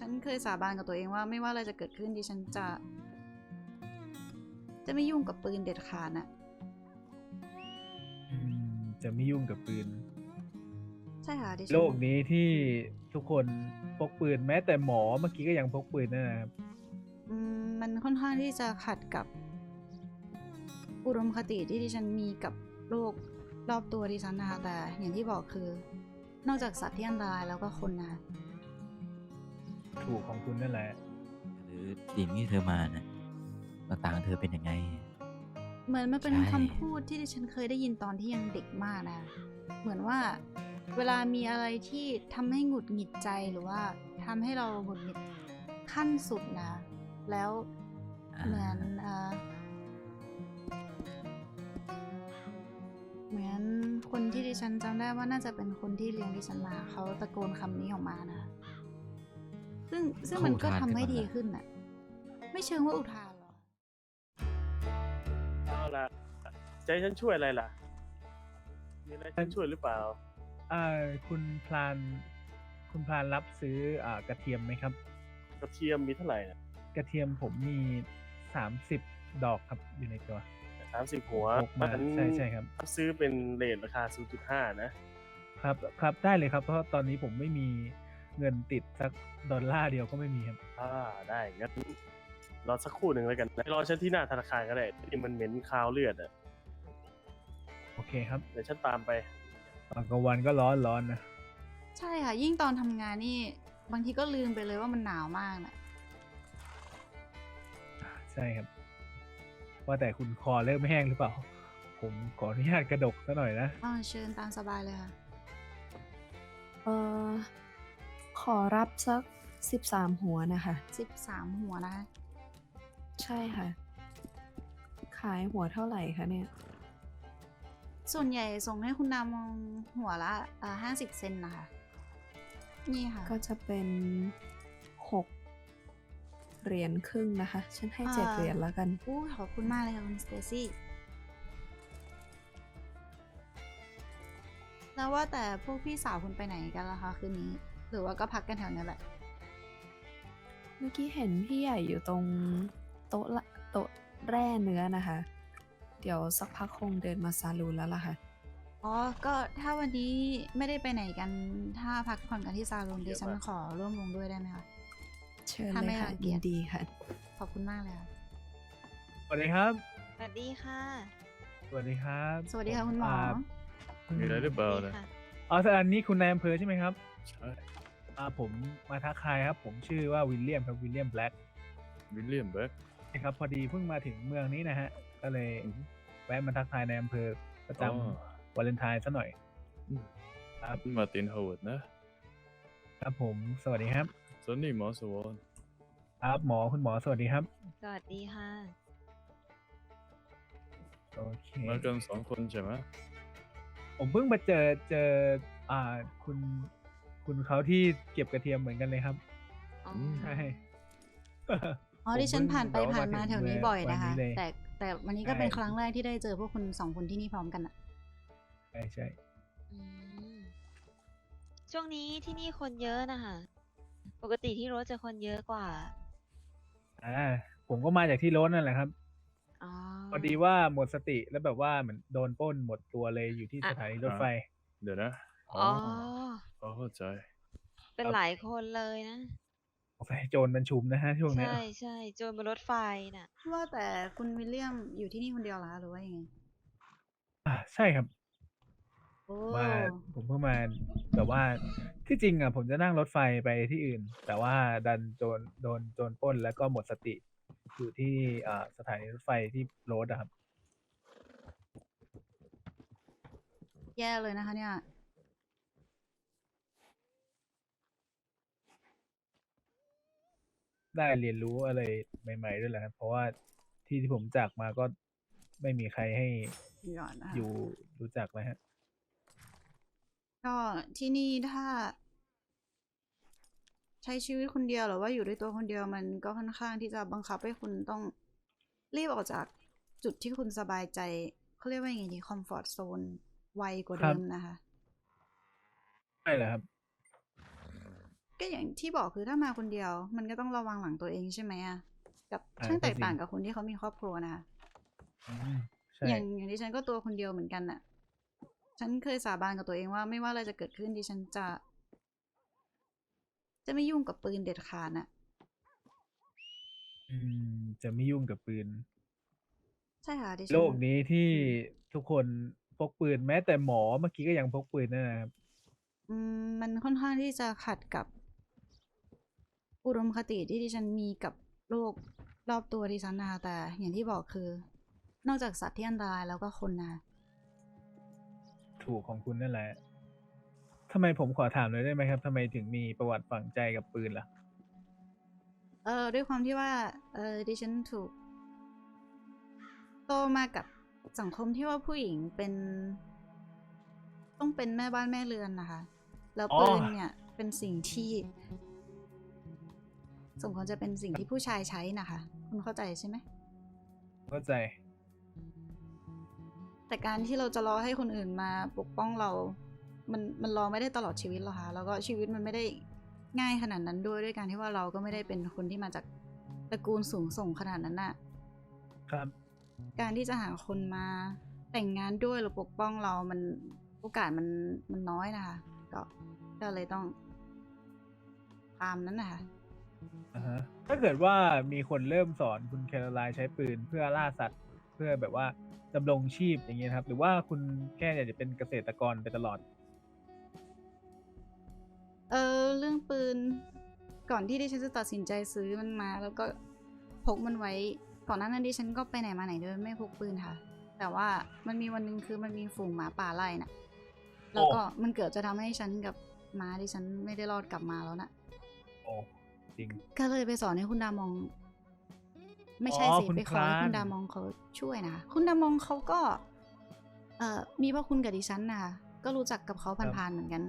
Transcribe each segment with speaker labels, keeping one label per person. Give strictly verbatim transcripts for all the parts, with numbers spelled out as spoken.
Speaker 1: ฉันเคยสาบานกับตัวเองว่าไม่ว่าอะไรจะเกิดขึ้นดิฉันจะ จะไม่ยุ่งกับปืนเด็ดขาดน่ะ
Speaker 2: อืมจะไม่ยุ่งกับปืน
Speaker 1: ใช่ค่ะดิฉัน
Speaker 2: โลกนี้ที่ทุกคนพกปืนแม้แต่หมอเมื่อกี้ก็ยังพกปืนนะครับ
Speaker 1: อืมมันค่อนข้างที่จะขัดกับอุดมคติที่ดิฉันมีกับโลกรอบตัวดิฉันนะคะแต่อย่างที่บอกคือนอกจากสัตว์ที่อันตรายแล้วก็คนนะคะ
Speaker 2: ถูกของคุณนั่นแหละ
Speaker 3: หรือสิ่งที่เธอมานะหน้าตาของเธอเป็นยังไง
Speaker 1: เหมือนมันเป็น
Speaker 3: ใช่
Speaker 1: คำพูดที่ดิฉันเคยได้ยินตอนที่ยังเด็กมากนะเหมือนว่าเวลามีอะไรที่ทำให้หงุดหงิดใจหรือว่าทำให้เราหงุดหงิดขั้นสุดนะแล้วเหมือนเอ่อเหมือนคนที่ดิฉันจำได้ว่าน่าจะเป็นคนที่เลี้ยงดิฉันมาเขาตะโกนคำนี้ออกมานะซึ่งซึ่งมันก็ทำให้ดีขึ้นน่ะไม่เชิงว่าอุทานหรอก
Speaker 4: เอาล่ะใจะให้ฉันช่วยอะไรล่ะ มีอะไรให้ฉันช่วยหรือเปล่า
Speaker 2: อ่าคุณพลานคุณพลานรับซื้ออ่ากระเทียมไหมครับ
Speaker 4: กระเทียมมีเท่าไหร่นะ
Speaker 2: กระเทียมผมมีสามสิบดอกครับอยู่ในตัว
Speaker 4: สามสิบหัว
Speaker 2: พกมา
Speaker 4: ฉัน
Speaker 2: ใช่ใช่ครับ
Speaker 4: ซื้อเป็นเรทราคา ศูนย์จุดห้า นะ
Speaker 2: ครับครับได้เลยครับเพราะตอนนี้ผมไม่มีเงินติดสักดอลลาร์เดียวก็ไม่มีครับ
Speaker 4: อ่า ได้งั้นรอสักครู่หนึ่งแล้วกันนะรอฉันที่หน้าธนาคารก็ได้ที่มันเหม็นคาวเลือดอ่ะ
Speaker 2: โอเคครับ
Speaker 4: เดี๋ยวฉันตามไป
Speaker 2: ตอนกลางวันก็ร้อนร้อนนะ
Speaker 1: ใช่ค่ะ ยิ่งตอนทำงานนี่บางทีก็ลืมไปเลยว่ามันหนาวมากนะ
Speaker 2: ใช่ครับ ว่าแต่คุณคอเริ่มแห้งหรือเปล่า ผมขออนุญาตกระดกซะหน่อยนะ
Speaker 1: อ๋อเชิญตามสบายเลยค่ะ
Speaker 5: เอ่อขอรับสักสิบสามหัวนะคะ
Speaker 1: สิบสามหัวนะคะ
Speaker 5: ใช่ค่ะ ขายหัวเท่าไหร่คะเนี่ย
Speaker 1: ส่วนใหญ่ส่งให้คุณนามองหัวละอ่าห้าสิบเซนนะคะ นี่ค่ะ
Speaker 5: ก็จะเป็นหกเหรียญครึ่งนะคะ ฉันให้เจ็ด
Speaker 1: อ่า
Speaker 5: เหรียญแล้วกัน
Speaker 1: อู้ขอบคุณมากเลยค่ะคุณสเตซี่ แล้วว่าแต่พวกพี่สาวคุณไปไหนกันล่ะคะคืนนี้ หรือว่าก็พักกันแถวนี้แหละ
Speaker 5: เมื่อกี้เห็นพี่ใหญ่อยู่ตรงโต๊ะละโต๊ะแร่เนื้อนะคะ เดี๋ยวสักพักคงเดินมาซาลูนแล้วล่ะค่ะ
Speaker 1: อ๋อ ก็ถ้าวันนี้ไม่ได้ไปไหนกัน ถ้าพักผ่อนกันที่ซาลูนดิฉันขอร่วมวงด้วยได้ไหมคะ
Speaker 5: เชิญ
Speaker 1: ถ้า
Speaker 5: เล
Speaker 1: ไม่
Speaker 5: ยค่ะ
Speaker 1: รังเกี
Speaker 5: ยิ
Speaker 1: ย
Speaker 5: น
Speaker 1: จ
Speaker 5: ดีค่ะ
Speaker 1: ขอบคุณมากเลยค่ะ
Speaker 2: สวัสดีครับ
Speaker 6: สวัสดีค่ะ
Speaker 2: สวัสดีครับ
Speaker 1: สวัสดีค่ะคุณหมอ
Speaker 2: า
Speaker 4: มีอะไรหรือเปล่า
Speaker 6: ดี
Speaker 4: นะ
Speaker 6: ค่ะ
Speaker 2: อ๋อสอันนี้คุณนายอำเภอใช่ไหมครับ
Speaker 4: ใช่
Speaker 2: อ่าผมมาทักทายครับ ผมชื่อว่าวิลเลียมครับวิลเลียมแบล็ก
Speaker 4: วิลเลียมเบิร์ก
Speaker 2: นะครับพอดีเพิ่งมาถึงเมืองนี้นะฮะ ก็เลยแวะมาทักทายในอำเภอประจ
Speaker 4: อ๋อ
Speaker 2: ำวาเลนไทน์ซะหน่อย ครับ
Speaker 4: มาร์ตินฮาวเวิร์ดนะครับ
Speaker 2: ผมสวัสดีครับ
Speaker 4: ส่วนนี้หมอสวอน
Speaker 2: ครับหมอคุณหมอสวัสดีครับ
Speaker 6: สวัสดีค่ะ
Speaker 2: โอเค
Speaker 4: มากันสองคนใช่ไหม
Speaker 2: ผมเพิ่งมาเจอเจออ่าคุณคุณเขาที่เก็บกระเทียมเหมือนกันเลยครับ
Speaker 6: อ๋อ
Speaker 2: ใช่
Speaker 1: อ๋อดิฉันผ่านไป
Speaker 2: ผมเพิ่ง
Speaker 1: ผ่านมา
Speaker 2: แบบว่า
Speaker 1: แถวนี้
Speaker 2: มาถึง
Speaker 1: บ่อยนะคะ
Speaker 2: วันนี้เลย
Speaker 1: แต่แต่วันนี้ก็
Speaker 2: ใช่
Speaker 1: เป็นครั้งแรกที่ได้เจอพวกคุณสองคนที่นี่พร้อมกันอะ
Speaker 2: ใช่ใช่
Speaker 6: อืมช่วงนี้ที่นี่คนเยอะนะคะ ปกติที่รถจะคนเยอะกว่า
Speaker 2: อ่าผมก็มาจากที่รถนั่นแหละครับ
Speaker 6: อ๋อ
Speaker 2: พอดีว่าหมดสติแล้วแบบว่าเหมือนโดนปล้นหมดตัวเลยอยู่ที่
Speaker 6: อ่ะ
Speaker 2: สถานีรถไฟ
Speaker 4: เดี๋ยวนะ
Speaker 6: อ๋อ
Speaker 4: พอเข้าใจ
Speaker 6: เป็นหลายคนเลยนะ
Speaker 2: สงสัยโจรมันชุมนะฮะช่วงเนี้ย
Speaker 6: ใช่ใช่โจรบนรถไฟน่ะ
Speaker 1: ว่าแต่คุณวิลเลียมอยู่ที่นี่คนเดียวเหรอคะหรือว่ายังไง
Speaker 2: อ่าใช่ครับ
Speaker 1: โอ้
Speaker 2: มาผมเพิ่งมาแบบว่าที่จริงอ่ะผมจะนั่งรถไฟไปที่อื่น แต่ว่าดันโจรโดนโจรปล้นแล้วก็หมดสติอยู่ที่อ่าสถานีรถไฟที่โรดอะครับ
Speaker 1: แย่เลยนะคะเนี่ย
Speaker 2: ได้เรียนรู้อะไรใหม่ๆด้วยแหละครับ เพราะว่าที่ที่ผมจากมาก็ไม่มีใครให้
Speaker 1: หย่อนนะคะ
Speaker 2: อยู่รู้จักเลยฮะ
Speaker 1: ก็ที่นี่ถ้า ใช้ชีวิตคนเดียวหรือว่าอยู่ด้วยตัวคนเดียวมันก็ค่อนข้างที่จะบังคับให้คุณต้องรีบออกจากจุดที่คุณสบายใจเขาเรียกว่าอย่างไงดีคอมฟอร์ z โซนไวกว่า
Speaker 2: ครั
Speaker 1: เดิ
Speaker 2: บ
Speaker 1: มนะคะ
Speaker 2: ใช่แหละครับ
Speaker 1: ก็อย่างที่บอกคือถ้ามาคนเดียว มันก็ต้องระวังหลังตัวเองใช่ไหมอะกับ
Speaker 2: อ่า
Speaker 1: ช่าง
Speaker 2: ก็
Speaker 1: แตก
Speaker 2: จริ
Speaker 1: ต่าง งกับคนที่เขามีครอบครัวนะคะ
Speaker 2: อืมใช่
Speaker 1: อย่างอย่างดิฉันก็ตัวคนเดียวเหมือนกันน่ะ ฉันเคยสาบานกับตัวเองว่าไม่ว่าอะไรจะเกิดขึ้นดิฉันจะ จะไม่ยุ่งกับปืนเด็ดขาดน่ะ
Speaker 2: อืม จะไม่ยุ่งกับปืน
Speaker 1: ใช่ค่ะดิฉั
Speaker 2: โล
Speaker 1: น
Speaker 2: กนี้ที่
Speaker 1: อืม
Speaker 2: ทุกคนพกปืน แม้แต่หมอเมื่อกี้ก็ยังพกปืนนั่นนะครับ
Speaker 1: อืม มันค่อนข้างที่จะขัดกับ อุดมคติที่ดิฉันมีกับโลกรอบตัวดิฉันนะคะ แต่อย่างที่บอกคือ นอกจากสัตว์ที่อันตรายแล้วก็คนนะคะ
Speaker 2: ถูกของคุณนั่นแหละ ทำไมผมขอถามเลยได้ไหมครับ ทำไมถึงมีประวัติฝังใจกับปืนล่ะ?
Speaker 1: เออ ด้วยความที่ว่า เออ ดิฉันถูก โตมากับสังคมที่ว่าผู้หญิงเป็น ต้องเป็นแม่บ้านแม่เรือนน่ะค่ะ แล้ว
Speaker 2: อ๋อ
Speaker 1: ปืนเนี่ยเป็นสิ่งที่ สมควรจะเป็นสิ่งที่ผู้ชายใช้น่ะค่ะ คุณเข้าใจใช่ไหม?
Speaker 2: เข้าใจ
Speaker 1: แต่การที่เราจะรอให้คนอื่นมาปกป้องเรา มัน มันรอไม่ได้ตลอดชีวิตหรอกค่ะ แล้วก็ชีวิตมันไม่ได้ง่ายขนาดนั้นด้วย ด้วยการที่ว่าเราก็ไม่ได้เป็นคนที่มาจากตระกูลสูงส่งขนาดนั้นน่ะ
Speaker 2: ครับ
Speaker 1: การที่จะหาคนมาแต่งงานด้วยหรือปกป้องเรา มัน โอกาสมัน มันน้อยน่ะค่ะ ก็ ก็เลยต้อง ตามนั้นน่ะค่ะ
Speaker 2: อะฮะ ถ้าเกิดว่ามีคนเริ่มสอนคุณแคโรไลน์ใช้ปืนเพื่อล่าสัตว์ เพื่อแบบว่าดำรงชีพ อย่างงี้นะครับ หรือว่าคุณแค่อยากจะเป็นเกษตรกรไปตลอด?
Speaker 1: เออ เรื่องปืน ก่อนที่ดิฉันจะตัดสินใจซื้อมันมา แล้วก็พกมันไว้ ก่อนหน้านั้นดิฉันก็ไปไหนมาไหนโดยไม่พกปืนค่ะ แต่ว่ามันมีวันหนึ่งคือมันมีฝูงหมาป่าไล่น่ะ แล้
Speaker 2: โอ้
Speaker 1: วก็มันเกือบจะทำให้ฉันกับม้าดิฉันไม่ได้รอดกลับมาแล้วน่ะ
Speaker 2: โอ้ จริง
Speaker 1: ก็เลยไปสอนให้คุณดามอง ไม่
Speaker 2: อ๋อ
Speaker 1: ใช่สิ
Speaker 2: คุณ
Speaker 1: ไป
Speaker 2: พ
Speaker 1: ขอ
Speaker 2: รา
Speaker 1: ให้คุณ
Speaker 2: น
Speaker 1: ดามองเขาช่วยนะคะ คุณดามองเขาก็ เอ่อ มีพระคุณกับดิฉันน่ะค่ะ ก็รู้จักกับเขา
Speaker 2: ครับ
Speaker 1: ผ่าน ๆ เหมือนกัน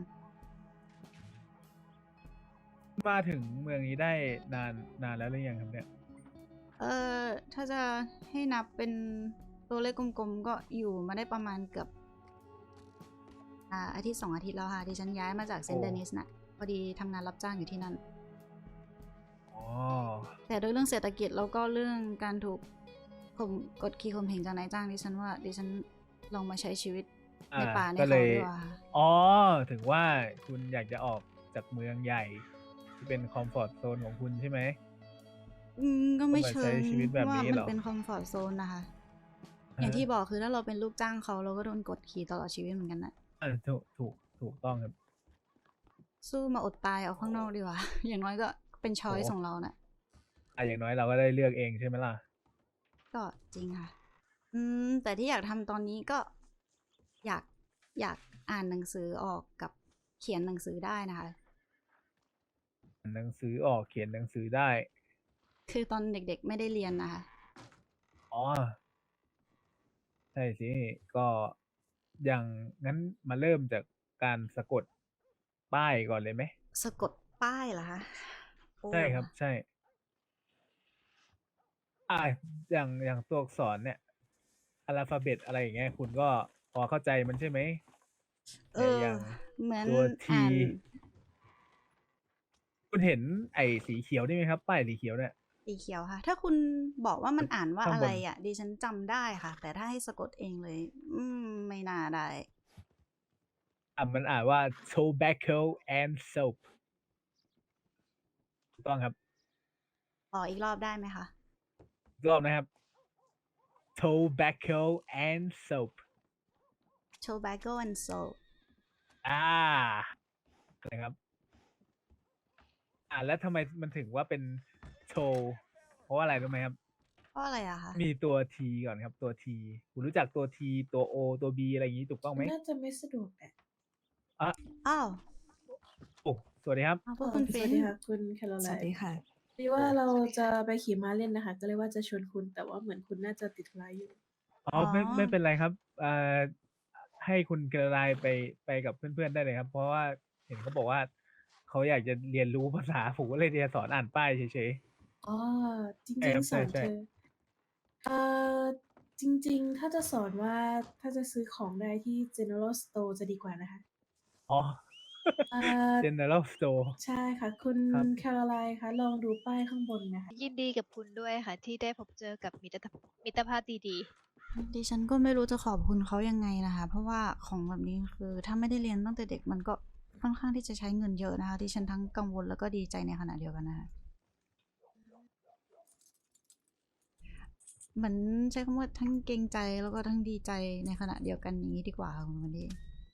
Speaker 2: มาถึงเมืองนี้ได้นาน นานแล้วหรือยังครับเนี่ย?
Speaker 1: เอ่อ ถ้าจะให้นับเป็นตัวเลขกลม ๆ ก็อยู่มาได้ประมาณเกือบ อ่า อาทิตย์ สอง อาทิตย์แล้วค่ะ ดิฉันย้ายมาจาก
Speaker 2: โอ้
Speaker 1: Saint Denis น่ะ พอดีทำงานรับจ้างอยู่ที่นั่น
Speaker 2: อ๋อ
Speaker 1: แต่ด้วยเรื่องเศรษฐกิจ แล้วก็เรื่องการถูกข่ม กดขี่ข่มเหงจากนายจ้าง ดิฉันว่า ดิฉันลองมาใช้ชีวิต
Speaker 2: อา
Speaker 1: ในป่าใน
Speaker 2: ก็
Speaker 1: เขา
Speaker 2: เลย
Speaker 1: ดีกว่าค่ะ
Speaker 2: อ๋อ ถึงว่าคุณอยากจะออกจากเมืองใหญ่ ที่เป็นคอมฟอร์ตโซนของคุณใช่ไหม?
Speaker 1: อืม ก็
Speaker 2: ก็
Speaker 1: ไม่
Speaker 2: มา
Speaker 1: เชิ
Speaker 2: ใช้
Speaker 1: ง
Speaker 2: ชีวิตแบบ
Speaker 1: ว่า
Speaker 2: นี้
Speaker 1: มั
Speaker 2: เห
Speaker 1: น
Speaker 2: รอ?
Speaker 1: เป็นคอมฟอร์ตโซนน่ะค่ะ
Speaker 2: อะ
Speaker 1: อย่าง
Speaker 2: ฮะ
Speaker 1: ที่บอกคือถ้าเราเป็นลูกจ้างเขา เราก็โดนกดขี่ตลอดชีวิตเหมือนกันน่ะ
Speaker 2: เออ ถูก ถูก ถูกต้องครับ
Speaker 1: สู้มาอดตายเอาข้างนอกดีกว่า อย่างน้อยก็เป็น ช
Speaker 2: โอ้
Speaker 1: อยซ์ ของเราน่ะ
Speaker 2: อา อย่างน้อยเราก็ได้เลือกเองใช่ไหมล่ะ?
Speaker 1: ก็จริงค่ะ อืม แต่ที่อยากทำตอนนี้ก็ อยาก อยากอ่านหนังสือออกกับเขียนหนังสือได้นะคะ
Speaker 2: อ่านหนังสือออก เขียนหนังสือได้
Speaker 1: คือตอนเด็ก ๆ ไม่ได้เรียนน่ะค่ะ
Speaker 2: อ๋อ ใช่สิ ก็อย่าง งั้นมาเริ่มจากการสะกดป้ายก่อนเลยไหม?
Speaker 1: สะกดป้ายเหรอคะ? โอ้
Speaker 2: ใช่ครับ ใช่ อา อย่าง อย่างตัวอักษรเนี่ย อาล์ฟาเบต อะไรอย่างเงี้ย คุณก็พอเข้าใจมันใช่ไหม?
Speaker 1: เอ
Speaker 2: เนี่ย
Speaker 1: อ
Speaker 2: อย่าง
Speaker 1: เหมือน
Speaker 2: ตัว T
Speaker 1: อ่าน
Speaker 2: คุณเห็นไอ้สีเขียวนี่ไหมครับ ป้ายสีเขียวเนี่ย?
Speaker 1: สีเขียวค่ะ ถ้าคุณบอกว่ามันอ่านว่า
Speaker 2: ข้าง
Speaker 1: อะ
Speaker 2: บ
Speaker 1: ไร
Speaker 2: น
Speaker 1: อะ ดิฉันจำได้ค่ะ แต่ถ้าให้สะกดเองเลย อืม ไม่น่าได้
Speaker 2: อ่า มันอ่านว่า tobacco and soap ถูกต้องครับ
Speaker 1: ขออีกรอบได้ไหมคะ?
Speaker 2: อีกรอบนะครับ tobacco and soap
Speaker 1: tobacco and soap
Speaker 2: อา นะครับ อ่า แล้วทำไมมันถึงว่าเป็น to เพราะว่าอะไรรู้ไหมครับ?
Speaker 1: เพราะอะไรอะคะ?
Speaker 2: มีตัว T ก่อนครับ ตัว T คุณรู้จักตัว T ตัว O ตัว B อะไรอย่างงี้ ถูกต้องไหม?
Speaker 7: น่าจะไม่สะดวกแหละ
Speaker 2: อะ
Speaker 1: อ้าว
Speaker 2: โอ้ สวัสดีครับ
Speaker 1: อ้าว พ
Speaker 7: อ๋อ
Speaker 1: คุณ
Speaker 7: ส
Speaker 1: เฟ
Speaker 7: วั
Speaker 1: ร
Speaker 7: ส
Speaker 1: น
Speaker 7: ดีค่ะ คุณแคโร
Speaker 5: ส
Speaker 7: ไล
Speaker 5: วัสดี
Speaker 7: น์
Speaker 5: ค่ะ
Speaker 7: พอดีว่า
Speaker 2: โอ้
Speaker 7: เรา
Speaker 1: สวัสดี
Speaker 7: จะ
Speaker 1: ค่ะ
Speaker 7: ไปขี่ม้าเล่นน่ะค่ะ ก็เลยว่าจะชวนคุณ แต่ว่าเหมือนคุณน่าจะติดธุระอยู่
Speaker 2: อ๋อ
Speaker 1: อ๋อ
Speaker 2: ไม่ ไม่เป็นไรครับ อ่า ให้คุณแคโรไลน์ไป ไปกับเพื่อน ๆ ได้เลยครับ เพราะว่าเห็นเขาบอกว่า เขาอยากจะเรียนรู้ ภาษา ผมก็เลยจะสอนอ่านป้ายเฉย ๆ
Speaker 7: อ๋อ จ
Speaker 2: ใช่
Speaker 7: ริง
Speaker 2: ครับ
Speaker 7: ๆ
Speaker 2: ใ
Speaker 7: สอน
Speaker 2: ช่
Speaker 7: เธ
Speaker 2: ๆ
Speaker 7: อ เอ่อ จริง ๆ ถ้าจะสอนว่า ถ้าจะซื้อของได้ที่ General Store จะดีกว่านะคะ
Speaker 2: อ๋อ
Speaker 7: อ่า
Speaker 2: General Store
Speaker 7: ใช่ค่ะ คุณ
Speaker 2: ครับ
Speaker 7: แคโรไลน์คะลองดูป้ายข้างบนนะคะ
Speaker 6: ยินดีกับคุณด้วยค่ะ ที่ได้พบเจอกับมิตรมิตรภาพดี
Speaker 1: ดิฉันก็ไม่รู้จะขอบคุณเขายังไงนะคะ เพราะว่าของแบบนี้คือถ้าไม่ได้เรียนตั้งแต่เด็กมันก็ค่อนข้างที่จะใช้เงินเยอะนะคะดิฉันทั้งกังวลแล้วก็ดีใจในขณะเดียวกันนะคะเหมือนใช้คำว่าทั้งเกรงใจแล้วก็ทั้งดีใจในขณะเดียวกันอย่างนี้ดีกว่าค่ะคุณวันดี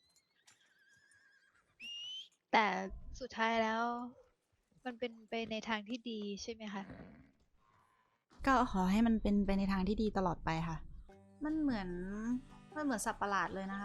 Speaker 6: ๆ แต่สุดท้ายแล้ว มันเป็นไปในทางที่ดีใช่ไหมคะ
Speaker 1: ก็ขอให้มันเป็นไปในทางที่ดีตลอดไปค่ะ มันเหมือนมันเหมือนสัตว์ประหลาดเลยนะคะ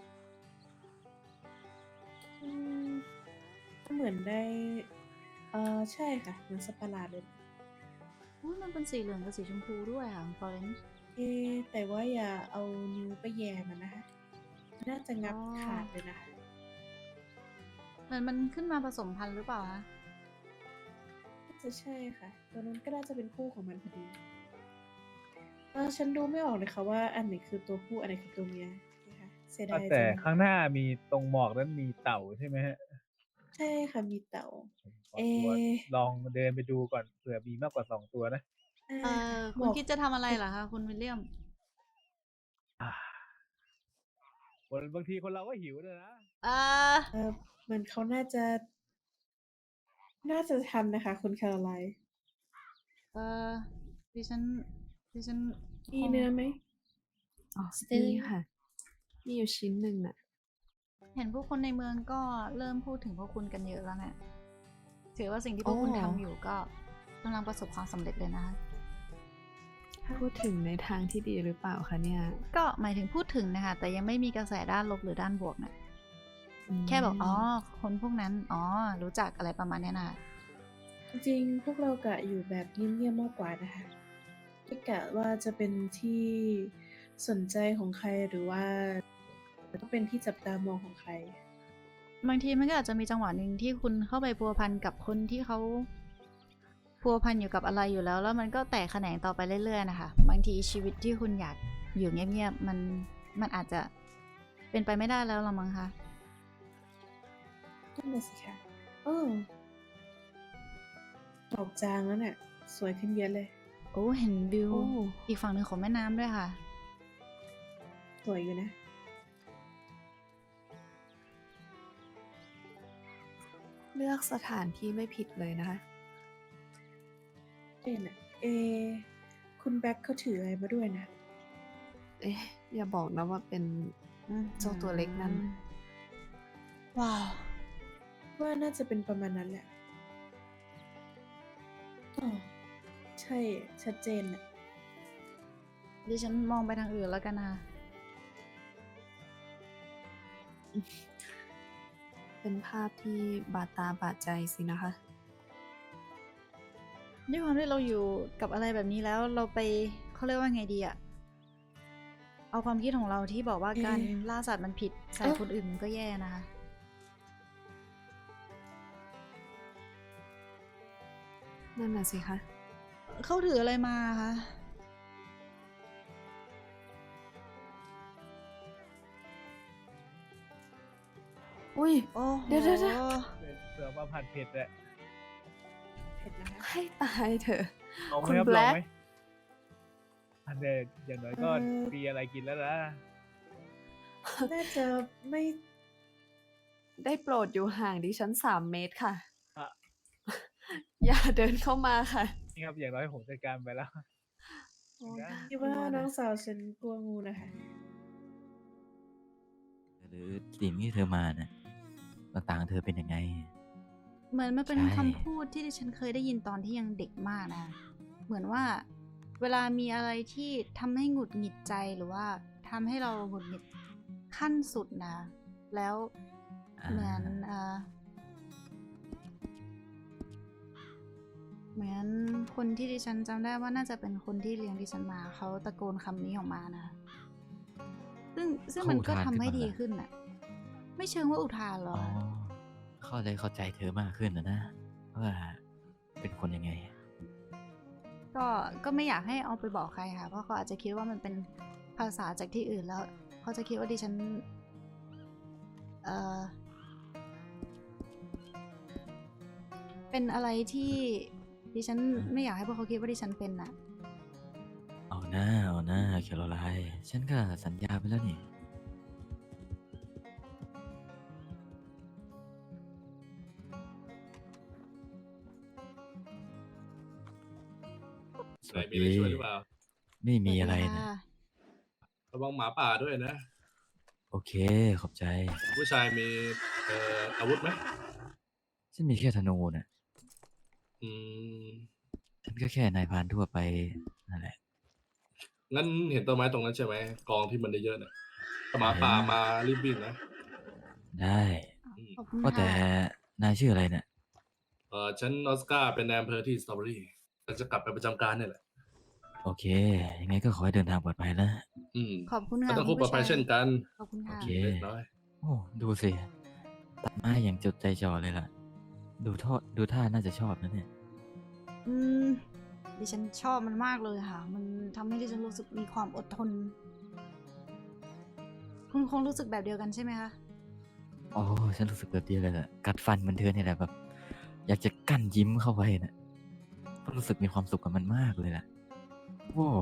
Speaker 7: อืมเหมือนได้ เออใช่ค่ะ เหมือนสัตว์ประหลาดเลย
Speaker 1: อุ๊ยมันเป็นสีเหลืองกับสีชมพูด้วยค่ะฟลอเรนซ์
Speaker 7: เอ๊ะแต่ว่าอย่าเอานิ้วไปแย่มันนะคะ น่าจะงับ
Speaker 1: อ๋อ
Speaker 7: ขาดเลยนะคะ
Speaker 1: เหมือนมันขึ้นมาผสมพันธุ์หรือเปล่าคะ
Speaker 7: น่าจะใช่ค่ะ ตัวนั้นก็น่าจะเป็นคู่ของมันพอดีเออฉันดูไม่ออกเลยค่ะว่าอันไหนคือตัวผู้อันไหนคือตัวเมียนะคะเสีย
Speaker 2: อ่ะ
Speaker 7: ดาย
Speaker 2: แต่
Speaker 7: จัง
Speaker 2: ข้างหน้ามีตรงหมอกนั้นมีเต่าใช่ไหมฮะ
Speaker 7: ใช่ค่ะมีเต่า
Speaker 2: ขอ
Speaker 7: เอ
Speaker 2: ตัวลองเดินไปดูก่อนเผื่อมีมากกว่าสองตัวนะ
Speaker 7: ใช่
Speaker 1: เอ่
Speaker 7: ค่ะ
Speaker 1: อ
Speaker 7: หม
Speaker 1: คุณ
Speaker 7: อก
Speaker 1: คิดจะทำอะไรเหรอคะคุณวิลเลียม
Speaker 2: อ่าคนบางทีคนเราก็หิวด้วยนะ
Speaker 1: เอ่อ
Speaker 7: เออเหมือนเขาน่าจะ น่าจะทันนะคะ คุณแคโรไลน์
Speaker 1: เอ่อ ดิฉัน ดิฉันค
Speaker 7: มี
Speaker 1: ง
Speaker 7: เนื้อไหม
Speaker 5: อ๋อ
Speaker 7: สเตอ
Speaker 5: มี
Speaker 7: ร์
Speaker 5: ค่ะ มีอยู่ชิ้นหนึ่งน่ะ
Speaker 1: เห็นผู้คนในเมืองก็เริ่มพูดถึงพวกคุณกันเยอะแล้วเนี่ยถือว่าสิ่งที่พวกคุณ
Speaker 5: โอ้
Speaker 1: ทำอยู่ก็กำลังประสบความสำเร็จเลยนะคะ
Speaker 5: พูดถึงในทางที่ดีหรือเปล่าคะเนี่ย
Speaker 1: ก็หมายถึงพูดถึงนะคะ แต่ยังไม่มีกระแสด้านลบหรือด้านบวกนะ
Speaker 5: อืม
Speaker 1: แค่บอกอ๋อ คนพวกนั้น อ๋อ รู้จักอะไรประมาณเนี้ยนะ
Speaker 7: จริงๆ พวกเรากะอยู่แบบเงียบๆมากกว่านะคะไม่กะว่าจะเป็นที่สนใจของใครหรือว่าก็เป็นที่จับตามองของใคร
Speaker 1: บางทีมันก็อาจจะมีจังหวะหนึ่งที่คุณเข้าไปพัวพันกับคนที่เขาพัวพันอยู่กับอะไรอยู่แล้ว แล้วมันก็แตกแขนงต่อไปเรื่อยๆนะคะ บางทีชีวิตที่คุณอยากอยู่เงียบๆมันมันอาจจะเป็นไปไม่ได้แล้วละมั้งคะ
Speaker 7: นั่นน่ะสิคะเออดอกจางแล้วเนี่ย สวยขึ้นเยอะเลย
Speaker 1: โอ้ เห็นวิว
Speaker 5: โอ้
Speaker 1: อีกฝั่งหนึ่งของแม่น้ำด้วยค่ะ
Speaker 7: สวยอยู่นะ
Speaker 5: เลือกสถานที่ไม่ผิดเลยนะคะ
Speaker 7: เอ็นะเอ คุณแบ็คเขาถืออะไรมาด้วยนะ
Speaker 5: เอ๊ะ อย่าบอกนะว่าเป็น
Speaker 1: อืม
Speaker 5: เจ้าตัวเล็กนั่น
Speaker 1: ว้าว
Speaker 7: ว่าน่าจะเป็นประมาณนั้นแหละอ๋อใช่ ชัดเจนน่ะ
Speaker 1: ดิฉันมองไปทางอื่นแล้วกันนะ
Speaker 5: เป็นภาพที่บาดตาบาดใจสินะคะ
Speaker 1: ด้วยความที่เราอยู่กับอะไรแบบนี้แล้วเราไปเขาเรียกว่าไงดีอะเอาความคิดของเราที่บอกว่า
Speaker 7: เอ๊ะ
Speaker 1: การล่าสัตว์มันผิดใส่
Speaker 7: เอ๊ะ
Speaker 1: คนอื่นมันก็แย่นะคะ
Speaker 5: นั่นน่ะสิคะ
Speaker 1: เขาถืออะไรมาคะ
Speaker 5: อุ้ย
Speaker 1: โอ้โห
Speaker 5: เดี๋ยวๆๆ
Speaker 2: เป็นเสือมาผัดเผ็ดแหละ
Speaker 7: เผ็ดนะคะ
Speaker 5: ให้ตายเถอะ
Speaker 2: ลองไหม
Speaker 5: คุณ
Speaker 2: ครับ
Speaker 5: แบ
Speaker 2: ลอง
Speaker 5: ล็ค
Speaker 2: ไหมอันเดยวอย่างน้อยก็
Speaker 7: เอ่อ
Speaker 2: มีอะไรกินแล้วนะ
Speaker 7: น่าจะไม่
Speaker 5: ได้โปรดอยู่ห่างดิฉันสามเมตรค่ะ
Speaker 2: อ่ะ
Speaker 5: อย่าเดินเข้ามาค่ะ
Speaker 2: นี่ครับอย่างน้อยผมจัดการไปแล้ว
Speaker 5: โอ้ย
Speaker 2: นะ
Speaker 7: คิดว่าน้องสาวฉันกลัวงูนะคะ
Speaker 3: หรือสิ่งที่เธอมานะต่างๆเธอเป็นยังไง
Speaker 1: เหมือนมันเป็น
Speaker 3: ใช่
Speaker 1: คำพูดที่ดิฉันเคยได้ยินตอนที่ยังเด็กมากนะคะเหมือนว่าเวลามีอะไรที่ทำให้หงุดหงิดใจหรือว่าทำให้เราหงุดหงิดขั้นสุดนะ แล้ว
Speaker 3: อ่า
Speaker 1: เหมือนเอ่อเหมือนคนที่ดิฉันจำได้ว่าน่าจะเป็นคนที่เลี้ยงดิฉันมาเขาตะโกนคำนี้ออกมานะ ซึ่งซึ่งมันก็ทำให้ดีขึ้นน่ะ ไม่เชิงว่าอุทานหรอ
Speaker 3: อ๋อก เข้าใจเข้าใจเธอมากขึ้นนะนะว่าเป็นคนยังไง
Speaker 1: ก็ก็ไม่อยากให้เอาไปบอกใครค่ะ เพราะเขาอาจจะคิดว่ามันเป็นภาษาจากที่อื่นแล้วเขาจะคิดว่าดิฉัน เอ่อเป็นอะไรที่ดิฉันไม่อยากให้พวกเขาคิดว่าดิฉันเป็นน่ะ
Speaker 3: เอาหน้าเอาหน้าแคโรไลน์ฉันก็สัญญาไปแล้วนี่ ส
Speaker 8: ไหน
Speaker 3: วัส
Speaker 8: มีอะไร
Speaker 3: ดี
Speaker 8: ช่วยหรือเปล่า
Speaker 3: ไม่มี
Speaker 1: สวัสดี
Speaker 3: อะไรนะ
Speaker 1: ค่ะ
Speaker 8: ระวังหมาป่าด้วยนะ
Speaker 3: โอเค ขอบใจ
Speaker 8: ผู้ชายมีเอ่ออาวุธไหม
Speaker 3: ฉันมีแค่ธนูน่ะ
Speaker 8: อืม
Speaker 3: ฉันก็แค่นายพรานทั่วไปนั่นแหละ
Speaker 8: งั้นเห็นต้นไม้ตรงนั้นใช่ไหมกองที่มันเยอะๆเนี่ยถ้าหมาป่ามารีบวิ่งนะ
Speaker 3: ได้
Speaker 8: อืม
Speaker 1: ขอบคุณ
Speaker 3: ว่าแต่
Speaker 1: ค่ะ
Speaker 3: นายชื่ออะไรเนี่ย
Speaker 8: เออฉันออสการ์เป็นนายอำเภอที่สตรอเบอรี่เราจะกลับไปประจำการเนี่ยแหละ
Speaker 3: โอเค ยังไงก็ขอให้เดินทางปลอดภัยนะ
Speaker 8: อืม
Speaker 1: ขอบคุณ
Speaker 8: ก็
Speaker 1: ค่ะ
Speaker 8: ต้อง
Speaker 1: คุ
Speaker 8: คู่
Speaker 1: ณ
Speaker 8: ปลอ
Speaker 1: ผู้
Speaker 8: ดภัย
Speaker 1: ชาย
Speaker 8: เช่นกัน
Speaker 1: ขอบคุณ
Speaker 3: โอ
Speaker 1: ค่ะ
Speaker 3: เค
Speaker 8: เล็กน้อย
Speaker 3: โอ้ ดูสิ ตัดไม้อย่างจดใจจ่อเลยล่ะ ดูท่าดูท่าน่าจะชอบนะเนี่ย
Speaker 1: อืม ดิฉันชอบมันมากเลยค่ะ มันทำให้ดิฉันรู้สึกมีความอดทน คุณคงรู้สึกแบบเดียวกันใช่ไหมคะ
Speaker 3: โอ้ ฉันรู้สึกแบบเดียวเลยแหละ กัดฟันเหมันเธอเนี่ยแหละแบบ อยากจะกั้นยิ้มเข้าไว้นะเพราะรู้สึกมีความสุขกับมันมากเลยแหละโว้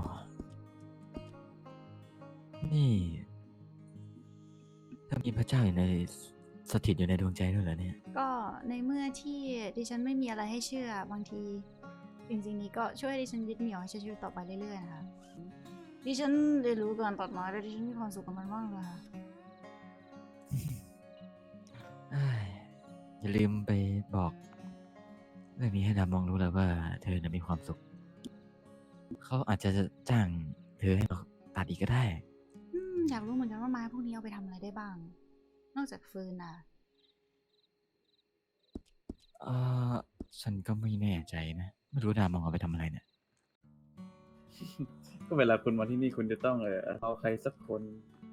Speaker 3: นี่ถ้ามีพระเจ้าอยู่ในสถิตอยู่ในดวงใจด้วยเหรอเนี่ย
Speaker 1: ก็ในเมื่อที่ดิฉันไม่มีอะไรให้เชื่อ บางทีสิ่งสิ่งนี้ก็ช่วยให้ดิฉันยึดเหนี่ยวให้ใช้ชีวิตต่อไปเรื่อยๆนะคะ ดิฉันเรียนรู้การตัดไม้และดิฉันมีความสุขกับมันมากเลยค่ะ
Speaker 3: เอ้ยอย่าลืมไปบอกเรื่องนี้ให้ดามองรู้แล้วว่าเธอน่ะมีความสุข เขาอาจจะจ้างเธอให้เราตัดอีกก็ได้
Speaker 1: อืมอยากรู้เหมือนกันว่าไม้พวกนี้เอาไปทำอะไรได้บ้าง นอกจากฟืนน่ะ
Speaker 3: เออฉันก็ไม่แน่ใจนะ ไม่รู้ดามองเอาไปทำอะไรเนี่ย
Speaker 2: ก็เวลาคุณมาที่นี่คุณจะต้องเออเอาใครสักคน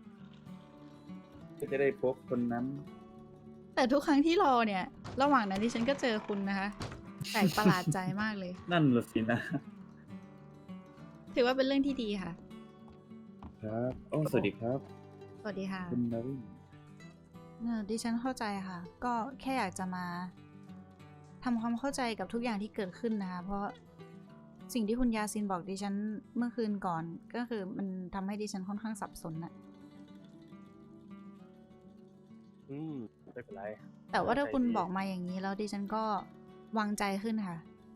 Speaker 2: ก็จะได้พบคนนั้น
Speaker 1: แต่ทุกครั้งที่รอเนี่ย ระหว่างนั้นดิฉันก็เจอคุณนะคะแปลกประหลาดใจมากเลย
Speaker 2: นั่นละสินะ
Speaker 1: ถือว่าเป็นเรื่องที่ดีค่ะ
Speaker 2: ครับโอ้สวัสดีครับ
Speaker 1: สวัสดีค่ะ
Speaker 2: คุณนาวิน
Speaker 1: เออดิฉันเข้าใจค่ะ ก็แค่อยากจะมาทำความเข้าใจกับทุกอย่างที่เกิดขึ้นนะคะ เพราะสิ่งที่คุณยาซินบอกดิฉันเมื่อคืนก่อน ก็คือมันทำให้ดิฉันค่อนข้างสับสนน่ะ
Speaker 4: อืมไม่เป็นไร
Speaker 1: แต่ว่าถ้าคุณ
Speaker 4: ใจดี
Speaker 1: บอกมาอย่างนี้แล้วดิฉันก็วางใจขึ้นค่ะ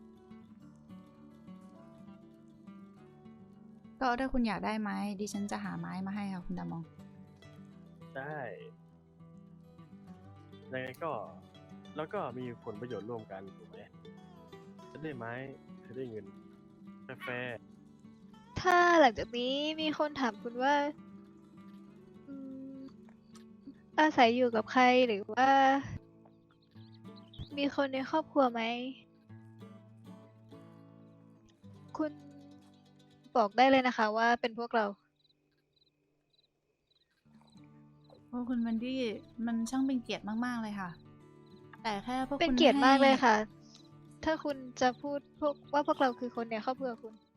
Speaker 1: ก็ถ้าคุณอยากได้ไม้ดิฉันจะหาไม้มาให้ค่ะคุณดามอง
Speaker 4: ได้ยังไงก็แล้วก็มีผลประโยชน์ร่วมกันถูกไหมฉันได้ไม้เธอได้เงินแฟร์
Speaker 6: ถ้าหลังจากนี้มีคนถามคุณว่าอืมอาศัยอยู่กับใครหรือว่า มีคนในครอบครัวไหม คุณบอกได้เลยนะคะว่าเป็นพวกเรา
Speaker 1: โอ้คุณวันดี้มันช่างเป็นเกียรติมาก ๆ เลยค่ะ แต่แค่พวก
Speaker 6: เป็น
Speaker 1: คุณ
Speaker 6: เกียรติมากเลย
Speaker 1: ให้
Speaker 6: ค่ะ ถ้าคุณจะพูดพวกว่าพวกเราคือคนในครอบครัวคุณ